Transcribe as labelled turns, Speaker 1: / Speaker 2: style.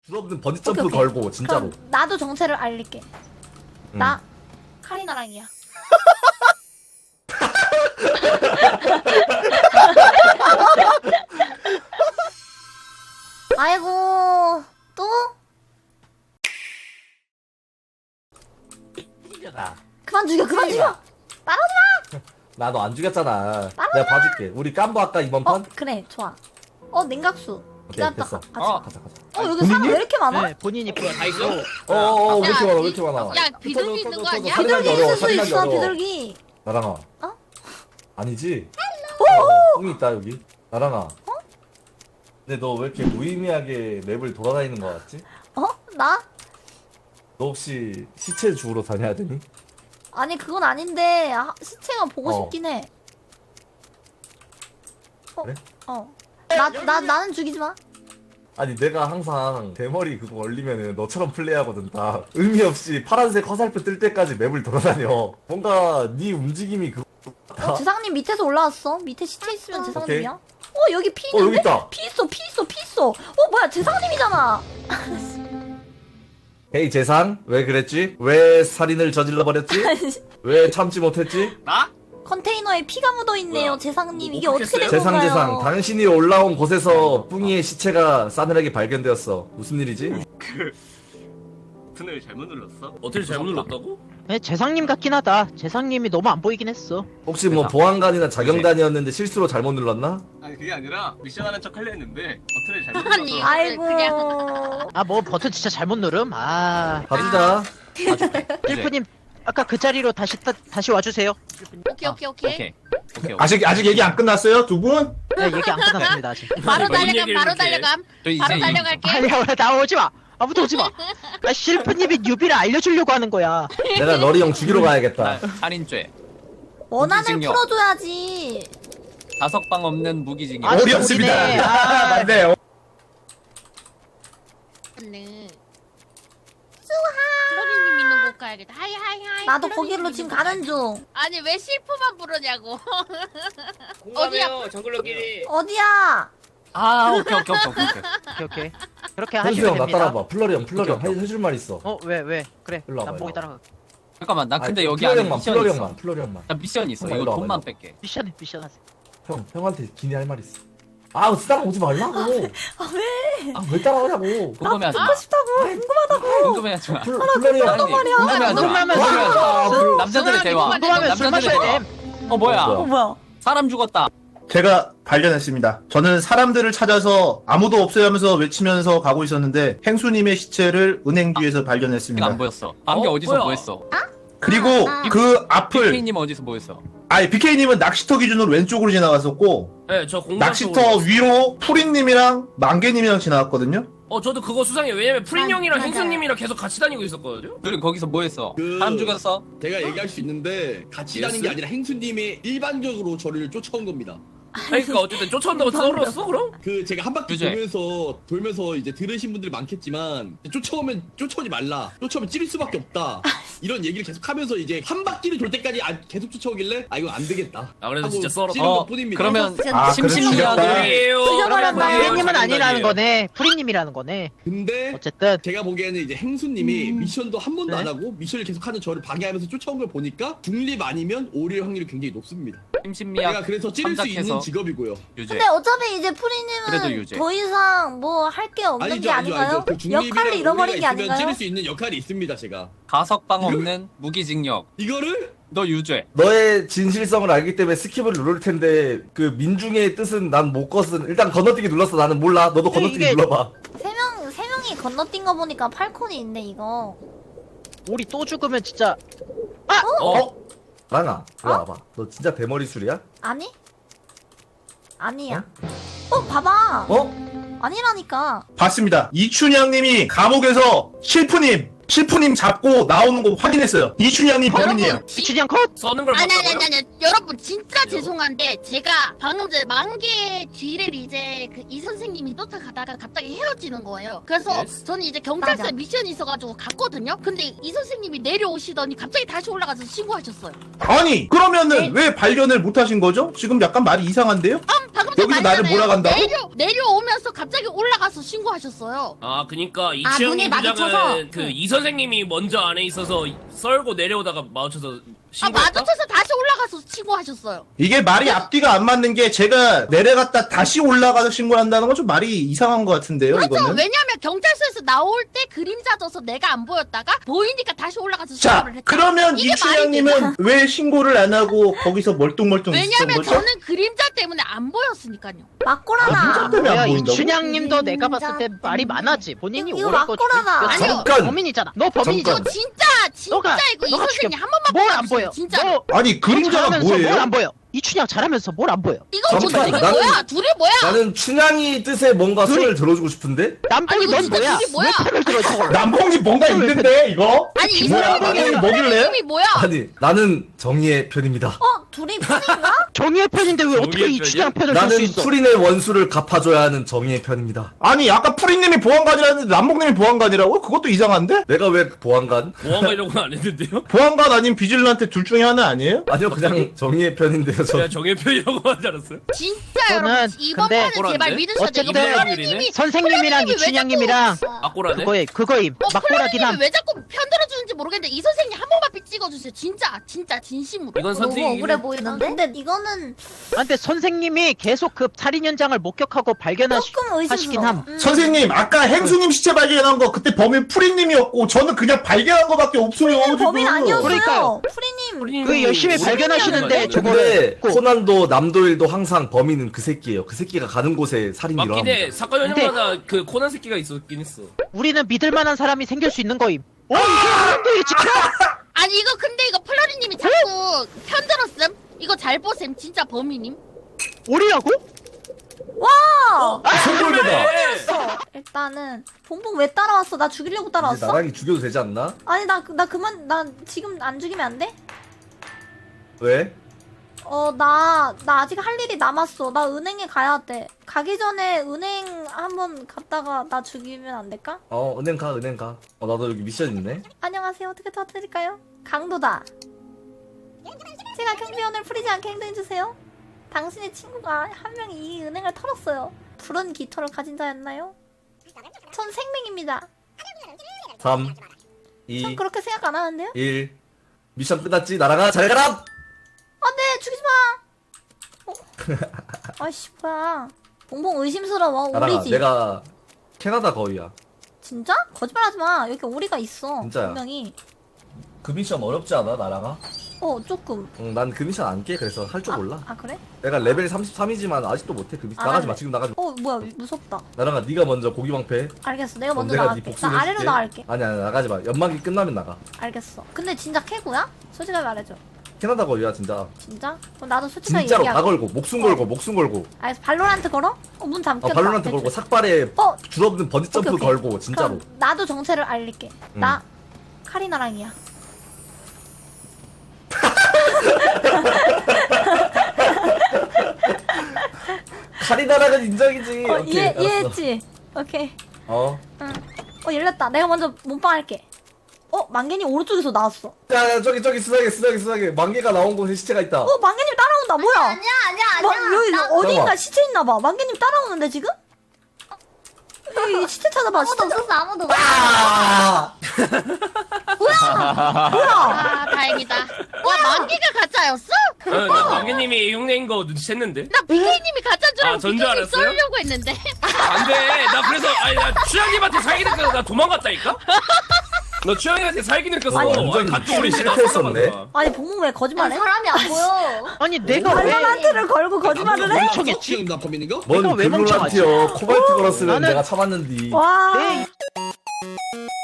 Speaker 1: 수없는 버디 점프
Speaker 2: 오케이.
Speaker 1: 걸고 진짜로.
Speaker 2: 그럼 나도 정체를 알릴게. 나 카리나랑이야. 아이고 또?
Speaker 1: 이겨라.
Speaker 2: 그만 죽여 그만 죽여. 따라오지
Speaker 1: 나 너 안 죽였잖아.
Speaker 2: 따라와.
Speaker 1: 내가 봐줄게. 우리 깜보 할까 이번
Speaker 2: 마.
Speaker 1: 판?
Speaker 2: 그래 좋아. 냉각수.
Speaker 1: 오케이
Speaker 2: 기다렸다
Speaker 1: 됐어.
Speaker 2: 가자.
Speaker 1: 가자.
Speaker 2: 여기 사람 왜 이렇게 많아?
Speaker 3: 네, 본인이
Speaker 4: 뭐야 다 있어?
Speaker 1: 왜 이렇게 많아? 왜 이렇게 많아?
Speaker 5: 야 비둘기 있는 거 아니야?
Speaker 1: 살인하기
Speaker 2: 비둘기
Speaker 1: 어려워.
Speaker 2: 있을 수
Speaker 1: 살인하기
Speaker 2: 있어
Speaker 1: 어려워.
Speaker 2: 비둘기.
Speaker 1: 나랑아.
Speaker 2: 어?
Speaker 1: 아니지? 똥이 있다 여기. 나랑아. 근데 너 왜 이렇게 무의미하게 맵을 돌아다니는 거 같지?
Speaker 2: 나?
Speaker 1: 너 혹시 시체 주우러 다녀야 되니?
Speaker 2: 아니 그건 아닌데 시체가 보고
Speaker 1: 어.
Speaker 2: 싶긴 해.
Speaker 1: 그래?
Speaker 2: 나는 죽이지 마.
Speaker 1: 아니 내가 항상 대머리 그거 올리면은 너처럼 플레이하거든. 다 의미 없이 파란색 화살표 뜰 때까지 맵을 돌아다녀. 뭔가 네 움직임이 그거 같아.
Speaker 2: 재상님 밑에서 올라왔어. 밑에 시체 있으면 재상님이야. 여기 피
Speaker 1: 여기
Speaker 2: 있는데?
Speaker 1: 있다.
Speaker 2: 피 있어. 뭐야 재상님이잖아.
Speaker 1: 헤이 재상 왜 그랬지? 왜 살인을 저질러 버렸지? 왜 참지 못했지?
Speaker 4: 나?
Speaker 2: 컨테이너에 피가 묻어 있네요,
Speaker 4: 뭐야?
Speaker 2: 재상님.
Speaker 4: 뭐
Speaker 2: 이게 어떻게 된
Speaker 4: 했어요?
Speaker 2: 건가요?
Speaker 1: 재상 당신이 올라온 곳에서 뿡이의 시체가 싸늘하게 발견되었어. 무슨 일이지?
Speaker 4: 버튼을 잘못 눌렀어?
Speaker 6: 어떻게 잘못 눌렀다고?
Speaker 3: 네, 재상님 같긴 하다. 재상님이 너무 안 보이긴 했어.
Speaker 1: 혹시 뭐 보안관이나 자경단이었는데 실수로 잘못 눌렀나?
Speaker 4: 아니 그게 아니라 미션하는 척 하려 했는데 버튼을 잘못
Speaker 5: 아니.
Speaker 4: 눌러서
Speaker 2: 아이고.
Speaker 3: 아, 뭐 버튼 진짜 잘못 누름? 아,
Speaker 1: 봐주자.
Speaker 3: 실프님 아까 그 자리로 다시 와주세요.
Speaker 5: 오케이.
Speaker 7: 아직 얘기 안 끝났어요, 두 분?
Speaker 3: 네, 얘기 안 끝났습니다 아직.
Speaker 5: 바로
Speaker 6: 뭔
Speaker 5: 달려감
Speaker 6: 얘기를
Speaker 5: 바로
Speaker 6: 이렇게 해?
Speaker 5: 달려감
Speaker 6: 저
Speaker 5: 바로
Speaker 6: 이제
Speaker 5: 달려갈게.
Speaker 3: 아니야, 나 오지 마. 아무도 오지 마. 아, 실프님이 뉴비를 알려주려고 하는 거야.
Speaker 1: 내가 너리 형 죽이러 가야겠다.
Speaker 6: 살인죄,
Speaker 2: 원한을
Speaker 6: 무기징역.
Speaker 2: 풀어줘야지.
Speaker 6: 다석방 없는 무기징역.
Speaker 3: 아,
Speaker 7: 어리 없습니다.
Speaker 3: 우리네. 아,
Speaker 7: 맞네요.
Speaker 5: 네. 클로리님 있는 곳 가야겠다. 하이.
Speaker 2: 나도
Speaker 5: 클로리님
Speaker 2: 거기로
Speaker 5: 있는
Speaker 2: 지금
Speaker 5: 곳
Speaker 2: 가는
Speaker 5: 가야겠다.
Speaker 2: 중.
Speaker 5: 아니 왜 실프만 부르냐고.
Speaker 6: 공감해요, 정글러끼리.
Speaker 2: 어디야?
Speaker 6: 오케이.
Speaker 3: 오케이. 그렇게
Speaker 1: 현수
Speaker 3: 하시면
Speaker 1: 형 나
Speaker 3: 됩니다.
Speaker 1: 따라봐. 플러리 형
Speaker 3: 오케이.
Speaker 1: 해줄 말 있어.
Speaker 3: 왜? 그래.
Speaker 1: 일로 와봐,
Speaker 3: 난 보기
Speaker 1: 일로
Speaker 3: 따라가.
Speaker 6: 잠깐만, 나 근데
Speaker 1: 아니,
Speaker 6: 여기
Speaker 1: 플러리
Speaker 6: 안에
Speaker 1: 형만,
Speaker 6: 미션
Speaker 1: 플러리
Speaker 6: 있어.
Speaker 1: 형만, 플러리 형만.
Speaker 6: 나 미션 있어.
Speaker 1: 형아,
Speaker 6: 이거
Speaker 1: 일로 와봐,
Speaker 6: 돈만
Speaker 1: 일로
Speaker 6: 뺄게.
Speaker 3: 미션 하세요.
Speaker 1: 형한테 기니 할 말 있어. 따라오지 말라고. 왜 따라오냐고.
Speaker 6: 궁금해하지 마.
Speaker 2: 듣고 싶다고. 궁금하다고.
Speaker 6: 궁금해하지 마.
Speaker 1: 플러리 형.
Speaker 6: 아니,
Speaker 2: 말이야.
Speaker 6: 궁금해하지 마.
Speaker 3: 궁금하면
Speaker 6: 궁금해하지 마.
Speaker 3: 술
Speaker 6: 남자들의 대화.
Speaker 3: 궁금하면 술
Speaker 6: 남자들의
Speaker 3: 마셔야
Speaker 6: 대화.
Speaker 3: 돼.
Speaker 6: 뭐야?
Speaker 2: 뭐야?
Speaker 6: 사람 죽었다.
Speaker 7: 제가 발견했습니다. 저는 사람들을 찾아서 아무도 없어요 하면서 외치면서 가고 있었는데 행수님의 시체를 은행 뒤에서
Speaker 6: 내가
Speaker 7: 발견했습니다.
Speaker 6: 안 보였어. 안개 어디서
Speaker 4: 뭐야?
Speaker 6: 보였어?
Speaker 7: 그리고 그 앞을
Speaker 6: 피님 어디서 보였어?
Speaker 7: BK님은 낚시터 기준으로 왼쪽으로 지나갔었고
Speaker 6: 네, 저 공감
Speaker 7: 낚시터 위로 푸린님이랑 만개님이랑 지나갔거든요.
Speaker 8: 저도 그거 수상해요. 왜냐면 프린 형이랑
Speaker 2: 맞아요.
Speaker 8: 행수님이랑 계속 같이 다니고 있었거든요.
Speaker 6: 그리고 거기서 뭐 했어?
Speaker 9: 그-
Speaker 6: 사람 죽였어?
Speaker 9: 제가 얘기할 수 있는데 같이
Speaker 8: 예스?
Speaker 9: 다닌 게 아니라 행수님이 일반적으로 저를 쫓아온 겁니다.
Speaker 8: 그러니까 어쨌든 쫓아온다고 썰었어 그럼?
Speaker 9: 그 제가 한 바퀴
Speaker 6: 유재.
Speaker 9: 돌면서 이제 들으신 분들이 많겠지만 쫓아오지 말라. 쫓아오면 찌를 수밖에 없다. 이런 얘기를 계속 하면서 이제 한 바퀴를 돌 때까지 계속 쫓아오길래 이거 안 되겠다.
Speaker 8: 아 그래서
Speaker 9: 하고
Speaker 8: 진짜 썰었어.
Speaker 9: 찌른 것뿐입니다.
Speaker 6: 그러면
Speaker 2: 진짜
Speaker 6: 심심이야들
Speaker 2: 죽여버렸다.
Speaker 3: 프리님은 아니라는 거네. 프리님이라는 거네.
Speaker 9: 근데
Speaker 3: 어쨌든
Speaker 9: 제가 보기에는 이제 행수님이 미션도 한 번도
Speaker 3: 네.
Speaker 9: 안 하고 미션을 계속하는 저를 방해하면서 쫓아온 걸 보니까 중립 아니면 오릴 확률이 굉장히 높습니다.
Speaker 6: 심심미약
Speaker 9: 제가 그래서 찌를 수
Speaker 6: 참작해서
Speaker 9: 있는 직업이고요.
Speaker 6: 유죄.
Speaker 2: 근데 어차피 이제
Speaker 6: 그래도
Speaker 2: 프리님은
Speaker 6: 유죄.
Speaker 2: 더 이상 뭐 할 게 없는 게 아닌가요?
Speaker 9: 그 중립이랑
Speaker 2: 역할을 잃어버린 게
Speaker 9: 오해가 있으면
Speaker 2: 아닌가요?
Speaker 9: 찌를 수 있는 역할이 있습니다, 제가.
Speaker 6: 가석방 없는 무기징역.
Speaker 9: 이거를
Speaker 6: 너 유죄.
Speaker 1: 너의 진실성을 알기 때문에 스킵을 누를 텐데 그 민중의 뜻은 난 못 껐은. 일단 건너뛰기 눌렀어. 나는 몰라. 너도 건너뛰기
Speaker 3: 이게-
Speaker 1: 눌러봐.
Speaker 2: 세 명이 건너뛴 거 보니까 팔콘이 있네 이거.
Speaker 3: 우리 또 죽으면 진짜
Speaker 1: 나랑아, 이리 와봐. 너 진짜 대머리 술이야?
Speaker 2: 아니? 아니야. 봐봐. 아니라니까.
Speaker 7: 봤습니다. 이춘향님이 감옥에서 실프님 잡고 나오는 거 확인했어요. 이춘향님 범인이에요.
Speaker 5: 여러분
Speaker 3: 이춘향 컷.
Speaker 8: 써는 걸
Speaker 5: 아니
Speaker 8: 봤다고요?
Speaker 5: 여러분 진짜 죄송한데 제가 방금 전에 만개 뒤를 이제 그 이 선생님이 쫓아가다가 갑자기 헤어지는 거예요. 그래서
Speaker 8: Yes.
Speaker 5: 저는 이제 경찰서에
Speaker 2: 맞아.
Speaker 5: 미션이 있어가지고 갔거든요. 근데 이 선생님이 내려오시더니 갑자기 다시 올라가서 신고하셨어요.
Speaker 7: 아니 그러면은 왜 발견을 못 하신 거죠? 지금 약간 말이 이상한데요?
Speaker 5: 방금
Speaker 7: 여기서 나를 몰아간다고?
Speaker 5: 내려오면서 갑자기 올라가서 신고하셨어요.
Speaker 8: 아 그니까
Speaker 2: 눈에
Speaker 8: 이치영님
Speaker 2: 마주쳐서?
Speaker 8: 부장은 그 이 선생님이 먼저 안에 있어서 썰고 내려오다가 마주쳐서 신고했다?
Speaker 5: 마주쳐서 다시 올라가서 신고하셨어요.
Speaker 7: 이게 말이 앞뒤가 안 맞는 게 제가 내려갔다 다시 올라가서 신고한다는 건 좀 말이 이상한 것 같은데요,
Speaker 5: 그렇죠.
Speaker 7: 이거는?
Speaker 5: 왜냐면 경찰서에서 나올 때 그림자 져서 내가 안 보였다가 보이니까 다시 올라가서
Speaker 7: 자,
Speaker 5: 신고를 했다.
Speaker 7: 그러면
Speaker 5: 이게
Speaker 7: 이춘향님은 왜 신고를 안 하고 거기서 멀뚱멀뚱 있었던
Speaker 5: 왜냐면
Speaker 7: 거죠?
Speaker 5: 저는 그림자 때문에 안 보였으니까요.
Speaker 2: 막고라나.
Speaker 7: 때문에 안
Speaker 3: 야
Speaker 7: 보인다고?
Speaker 3: 이춘향님도 내가 봤을 때 말이 많아지. 본인이
Speaker 2: 이거
Speaker 3: 오래 거
Speaker 2: 막고라나.
Speaker 5: 아니요.
Speaker 7: 잠깐!
Speaker 3: 범인이잖아. 너 범인이잖아.
Speaker 7: 잠깐.
Speaker 5: 진짜
Speaker 3: 너가-
Speaker 5: 이거 이
Speaker 3: 너가
Speaker 5: 선생님
Speaker 3: 죽여.
Speaker 5: 한 번만
Speaker 3: 뭘 안
Speaker 5: 봐주세요.
Speaker 3: 보여?
Speaker 5: 진짜.
Speaker 3: 너
Speaker 7: 아니, 그림자가
Speaker 3: 잘하면서 뭘
Speaker 7: 뭐예요?
Speaker 3: 안 보여? 이춘향 잘하면서 뭘 안 보여?
Speaker 5: 이거 뭐
Speaker 1: 잠깐,
Speaker 5: 둘이
Speaker 1: 나는-
Speaker 5: 뭐야? 둘이 뭐야?
Speaker 1: 나는 춘향이 뜻에 뭔가 손을 들어주고 싶은데?
Speaker 3: 남봉이
Speaker 5: 아니,
Speaker 3: 넌
Speaker 5: 진짜
Speaker 3: 뭐야?
Speaker 5: 둘이 뭐야?
Speaker 3: 왜 편을 들어 저걸?
Speaker 7: 남봉이 뭔가 있는데, 이거?
Speaker 5: 아니 이
Speaker 7: 뭐야,
Speaker 5: 사람이
Speaker 7: 나는 먹일래?
Speaker 5: 이름이 뭐야?
Speaker 1: 아니 나는 정의의 편입니다.
Speaker 2: 어, 둘이 편인가?
Speaker 3: 정의의 편인데 왜 어떻게
Speaker 8: 정의의
Speaker 3: 이춘향 편을 들 수
Speaker 1: 나는
Speaker 3: 있어?
Speaker 1: 프린의 원수를 갚아줘야 하는 정의의 편입니다.
Speaker 7: 아니, 아까 프리님이 보안관이라는데 남봉님이 보안관이라고? 그것도 이상한데?
Speaker 1: 내가 왜 보안관?
Speaker 8: 보안관이라고는 안 했는데요?
Speaker 7: 보안관 아닌 비질란테 둘 중에 하나 아니에요?
Speaker 1: 아니요 그냥 정의의 편인데요. 저
Speaker 8: 제가 정예표이라고 하지 않았어요?
Speaker 5: 진짜
Speaker 3: 저는
Speaker 5: 여러분 이번
Speaker 3: 근데
Speaker 5: 판은 제발
Speaker 8: 꼬란데?
Speaker 5: 믿으셔야 돼요.
Speaker 3: 어쨌든
Speaker 5: 플라리님이
Speaker 3: 선생님이랑 이춘향님이랑
Speaker 8: 악고라네?
Speaker 3: 그거임. 막고라긴 함.
Speaker 5: 플라리님이 왜 자꾸 편들어주는지 모르겠는데 이 선생님 한 번만 픽 찍어주세요. 진짜 진심으로.
Speaker 8: 이건
Speaker 2: 너무
Speaker 8: 선택이긴
Speaker 2: 억울해
Speaker 8: 해.
Speaker 2: 보이는데? 근데 이거는
Speaker 3: 아, 근데 선생님이 계속 그 살인 현장을 목격하고 발견하시긴
Speaker 2: 조금 의심스러워.
Speaker 3: 함.
Speaker 7: 선생님, 아까 행수님 시체 발견한 거 그때 범인 프리님이었고 저는 그냥 발견한 거밖에 없어요.
Speaker 2: 프리님 범인
Speaker 7: 지금.
Speaker 2: 아니었어요.
Speaker 3: 그러니까요.
Speaker 2: 프리님.
Speaker 3: 그 열심히
Speaker 8: 우리
Speaker 3: 발견하시는데
Speaker 8: 우리
Speaker 1: 근데
Speaker 3: 저거
Speaker 1: 코난도 남도일도 항상 범인은 그 새끼예요. 그 새끼가 가는 곳에 살인이
Speaker 8: 맞긴 해.
Speaker 1: 일어납니다.
Speaker 8: 사건 현장마다 그 코난 새끼가 있었긴 했어.
Speaker 3: 우리는 믿을 만한 사람이 생길 수 있는 거임. 이 사람들이 지켜!
Speaker 5: 아니 이거 근데 이거 플라리님이 자꾸 편들었음. 이거 잘 보셈. 진짜 범인님.
Speaker 3: 우리라고?
Speaker 2: 와!
Speaker 1: 송골매다.
Speaker 2: 일단은 봉봉 왜 따라왔어? 나 죽이려고
Speaker 1: 이제
Speaker 2: 따라왔어?
Speaker 1: 나랑이 죽여도 되지 않나?
Speaker 2: 아니 나 그만 나 지금 안 죽이면 안 돼?
Speaker 1: 왜?
Speaker 2: 나 아직 할 일이 남았어. 나 은행에 가야 돼. 가기 전에 은행 한번 갔다가 나 죽이면 안 될까?
Speaker 1: 은행 가. 나도 여기 미션 있네.
Speaker 2: 안녕하세요. 어떻게 도와드릴까요? 강도다. 제가 경비원을 풀리지 않게 행동해주세요. 당신의 친구가 한 명이 이 은행을 털었어요. 푸른 깃털을 가진 자였나요? 전 생명입니다.
Speaker 1: 3,
Speaker 2: 전
Speaker 1: 2,
Speaker 2: 그렇게 생각 안 하는데요?
Speaker 1: 1. 미션 끝났지? 날아가. 잘 가라.
Speaker 2: 안돼 죽이지 마. 아이씨 뭐야. 봉봉 의심스러워.
Speaker 1: 날아가.
Speaker 2: 오리지.
Speaker 1: 내가 캐나다 거위야.
Speaker 2: 진짜? 거짓말하지 마. 여기 오리가 있어.
Speaker 1: 진짜야.
Speaker 2: 분명히.
Speaker 1: 그 미션 어렵지 않아? 날아가?
Speaker 2: 조금.
Speaker 1: 응, 난 그 미션 안 깨. 그래서 할 줄 몰라.
Speaker 2: 아 그래?
Speaker 1: 내가 레벨 33이지만 아직도 못해. 그 미션. 나가지 마. 지금 나가지 마.
Speaker 2: 뭐야 무섭다.
Speaker 1: 날아가. 네가 먼저 고기 방패.
Speaker 2: 알겠어. 내가 먼저
Speaker 1: 내가 네
Speaker 2: 나갈게.
Speaker 1: 복수를
Speaker 2: 나 아래로
Speaker 1: 해줄게.
Speaker 2: 나갈게.
Speaker 1: 아니야 나가지 마. 연막이 끝나면 나가.
Speaker 2: 알겠어. 근데 진짜 캐고야? 솔직하게 말해줘.
Speaker 1: 캐나다 거위야 진짜.
Speaker 2: 진짜? 그럼 나도 솔직하게
Speaker 1: 진짜로
Speaker 2: 얘기할게.
Speaker 1: 다 걸고 목숨 걸고.
Speaker 2: 알겠어. 발로란트 걸어? 문 잠겼다.
Speaker 1: 발로란트
Speaker 2: 대충.
Speaker 1: 걸고 삭발에
Speaker 2: 어?
Speaker 1: 줄없는 번지 점프
Speaker 2: 오케이, 오케이.
Speaker 1: 걸고 진짜로.
Speaker 2: 그럼 나도 정체를 알릴게. 나 카리나랑이야.
Speaker 1: 카리나락은 인정이지. 오케이, 알았어.
Speaker 2: 이해했지? 오케이.
Speaker 1: 응.
Speaker 2: 열렸다. 내가 먼저 몸빵 할게. 만개님 오른쪽에서 나왔어.
Speaker 1: 야 저기 수상해. 만개가 나온 곳에 시체가 있다.
Speaker 2: 만개님 따라온다. 뭐야?
Speaker 5: 아니야.
Speaker 2: 여기
Speaker 5: 나-
Speaker 2: 어디인가
Speaker 1: 잠깐만.
Speaker 2: 시체 있나봐. 만개님 따라오는데 지금? 여기 시체 찾아봐. 시체 찾아.
Speaker 5: 아무도.
Speaker 1: 아!
Speaker 2: 뭐야?
Speaker 5: 아 다행이다. 와 만기가 가짜였어?
Speaker 8: 나 관계님이 흉내인 거 눈치챘는데?
Speaker 5: 나 BK님이 가짜인 줄 알고
Speaker 8: 전줄
Speaker 5: BK님
Speaker 8: 알았어요?
Speaker 5: 썰려고 했는데.
Speaker 8: 안 돼! 나 그래서, 나 추장님한테 살기 느껴서 나 도망갔다니까? 너 추장님한테 살기 느껴서
Speaker 1: 완전
Speaker 8: 같이 우리 집에
Speaker 1: 실패했었네.
Speaker 8: 나가서
Speaker 2: 아니 봉봉 왜 거짓말해?
Speaker 5: 사람이 안 보여.
Speaker 3: 아니 내가 왜
Speaker 2: 발로란트를 걸고 거짓말을 해?
Speaker 3: 멍청했지?
Speaker 9: 지금 나 범인인가?
Speaker 1: 뭔
Speaker 3: 내가 왜
Speaker 1: 글루란티요. 코발트 걸었으면
Speaker 3: 나는-
Speaker 1: 내가 참았는디.
Speaker 2: 와.
Speaker 3: 내